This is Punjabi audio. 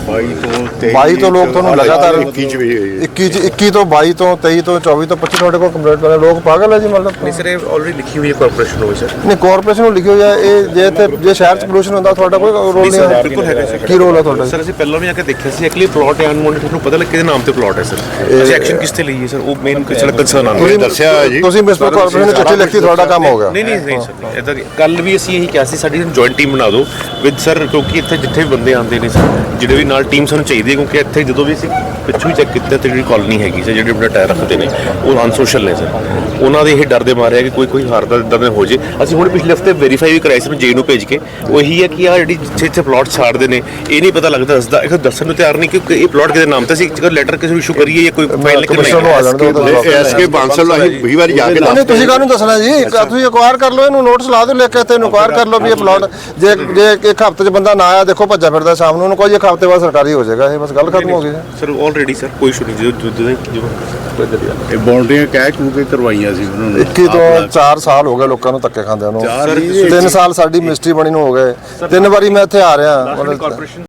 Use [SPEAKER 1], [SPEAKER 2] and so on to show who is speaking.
[SPEAKER 1] 22 ਤੋਂ ਲੋਕ ਤੁਹਾਨੂੰ ਲਗਾਤਾਰ 21 ਤੋਂ 22 ਤੋਂ 23 ਤੋਂ 24 ਤੋਂ 25 ਤੁਹਾਡੇ ਕੋਲ ਕੰਪਲੇਂਟ ਕਰ ਰਹੇ ਲੋਕ ਪਾਗਲ ਹੈ ਜੀ ਮਤਲਬ
[SPEAKER 2] ਨਹੀਂ ਸਰ ਇਹ ਆਲਰੇਡੀ ਲਿਖੀ ਹੋਈ ਹੈ ਕਾਰਪੋਰੇਸ਼ਨ ਨੂੰ ਸਰ
[SPEAKER 1] ਨਹੀਂ ਕਾਰਪੋਰੇਸ਼ਨ ਨੂੰ ਲਿਖੀ ਹੋਈ ਹੈ ਇਹ ਜੇ ਸ਼ਹਿਰ 'ਚ ਪੋਲੂਸ਼ਨ ਹੁੰਦਾ ਤੁਹਾਡਾ ਕੋਈ ਰੋਲ ਨਹੀਂ ਹੈ
[SPEAKER 2] ਬਿਲਕੁਲ ਹੈਗਾ ਸਰ
[SPEAKER 1] ਕੀ ਰੋਲ ਹੈ ਤੁਹਾਡਾ
[SPEAKER 2] ਸਰ ਅਸੀਂ ਪਹਿਲਾਂ ਵੀ ਆ ਕੇ ਦੇਖਿਆ ਸੀ ਐਕਚੁਅਲੀ ਪਲਾਟ ਐਂਡ ਮੋਨਿਟਰ ਤੁਹਾਨੂੰ ਪਤਾ ਲੱਗ ਕਿਹਦੇ ਨਾਮ ਤੇ ਪਲਾਟ ਹੈ ਸਰ ਅਸੀਂ ਐਕਸ਼ਨ ਕਿਸ ਤੇ ਲਈਏ ਸਰ ਉਹ ਮੇਨ ਸਾਡਾ ਕੰਸਰਨ ਆਉਂਦਾ
[SPEAKER 1] ਤੁਸੀਂ ਦੱਸਿਆ ਜੀ ਤੁਸੀਂ ਮਿਊਨਿਸਪਲ ਕਾਰਪੋਰੇਸ਼ਨ ਨੂੰ ਚਿੱਠੀ ਲਿਖਤੀ ਤੁਹਾਡਾ ਕੰਮ ਹੋ ਗਿਆ
[SPEAKER 2] ਨਹੀਂ ਸਰ ਇਦਾਂ ਕੱਲ ਵੀ ਅਸੀਂ ਇਹੀ ਕਿਹਾ ਸੀ ਸਾਡੀ ਜੁਆਇੰਟ ਟੀਮ ਬਣਾ ਦਿਓ ਵਿਦ ਸਰ ਕਿਉਂਕਿ ਇੱਥੇ ਜਿੱਥੇ ਵੀ ਬੰਦੇ ਆਉਂਦੇ ਨੇ ਸਰ ਜਿਹੜੇ ਵੀ ਨਾਲ ਟੀਮ ਸਾਨੂੰ ਚਾਹੀਦੀ ਹੈ ਕਿਉਂਕਿ ਇੱਥੇ ਜਦੋਂ ਵੀ ਅਸੀਂ ਪਿੱਛੋਂ ਹੀ ਚੈੱਕ ਕੀਤਾ ਤੇ ਜਿਹੜੀ ਕਾਲੋਨੀ ਹੈਗੀ ਸਰ ਜਿਹੜੇ ਆਪਣੇ ਟਾਇਰ ਰੱਖਦੇ ਨੇ ਉਹ ਅਨਸੋਸ਼ਲ ਨੇ ਸਰ ਉਹਨਾਂ ਦੇ ਇਹ ਡਰ ਦੇ ਮਾਰੇ ਆ ਕਿ ਕੋਈ ਹਾਰਦਾ ਇਦਾਂ ਦਾ ਹੋ ਜੇ ਅਸੀਂ ਹੁਣ ਪਿਛਲੇ ਹਫਤੇ ਵੈਰੀਫਾਈ ਵੀ ਕਰਾਇਆ ਸੀ ਜੇ ਨੂੰ ਭੇਜ ਕੇ ਉਹ ਇਹੀ ਹੈ ਕਿ ਆ ਜਿਹੜੀ ਜਿੱਥੇ ਪਲਾਟ ਛਾੜਦੇ ਨੇ ਇਹ ਨਹੀਂ ਪਤਾ ਲੱਗਦਾ ਦੱਸਦਾ ਇਹ ਦੱਸਣ ਨੂੰ ਤਿਆਰ ਨਹੀਂ ਕਿ ਇਹ ਪਲਾਟ ਕਿਹਦੇ ਨਾਮ ਤੇ ਸੀ ਜੇਕਰ ਲੈਟਰ ਕਿਸੇ ਨੂੰ ਇਸ਼ੂ ਕਰੀਏ ਜਾਂ ਕੋਈ ਫਾਈਲ ਲਿਖ ਕੇ
[SPEAKER 1] ਐਸਕੇ ਬਾਂਸਲ ਅਸੀਂ 20 ਵਾਰੀ ਜਾ ਕੇ ਨਹੀਂ ਤੁਸੀਂ ਕਾਹਨੂੰ ਦੱਸਣਾ ਜੀ ਤੁਸੀਂ ਇਨਕੁਆਇਰ ਕਰ ਲਓ ਇਹਨੂੰ ਨੋਟਿਸ ਲਾ ਦਿਓ ਲਿਖ ਕੇ ਤੇ ਇਨਕੁਆਇਰ ਕਰ ਲਓ ਵੀ ਇਹ ਪਲਾਟ ਜੇ ਇੱਕ ਹਫ਼ਤੇ 'ਚ ਬੰਦਾ ਨਾ ਆਇਆ ਦੇਖੋ ਭੱਜਾ ਫਿਰਦਾ ਸ਼ਾਮ ਨੂੰ ਉਹਨੂੰ ਕੋਈ ਇੱਕ ਹਫ਼ਤੇ ਬਾਅਦ ਸਰਕਾਰੀ ਹੋ ਜਾਏਗਾ ਇਹ ਬਸ ਗੱਲ ਖਤਮ ਹੋ ਗਈ
[SPEAKER 2] ਸਰ ਆਲਰੇਡੀ ਸਰ ਕੋਈ ਇਸ਼ੂ ਨਹੀਂ ਜਦੋਂ
[SPEAKER 3] ਇਹ ਬਾਉਂਡਰੀਆਂ ਕਹਿ ਕੇ ਕਰਵਾਈਆਂ ਸੀ ਉਹਨਾਂ ਨੇ
[SPEAKER 1] 21 ਤੋਂ 4 ਸਾਲ ਹੋ ਗਏ ਲੋਕਾਂ ਨੂੰ ਧੱਕੇ ਖਾਂਦਿਆਂ ਨੂੰ 3 ਸਾਲ ਸਾਡੀ ਮਿਸਟਰੀ ਬਣੀ ਨੂੰ ਹੋ ਗਏ 3 ਵਾਰੀ ਮੈਂ ਇੱਥੇ ਆ ਰਿਹਾ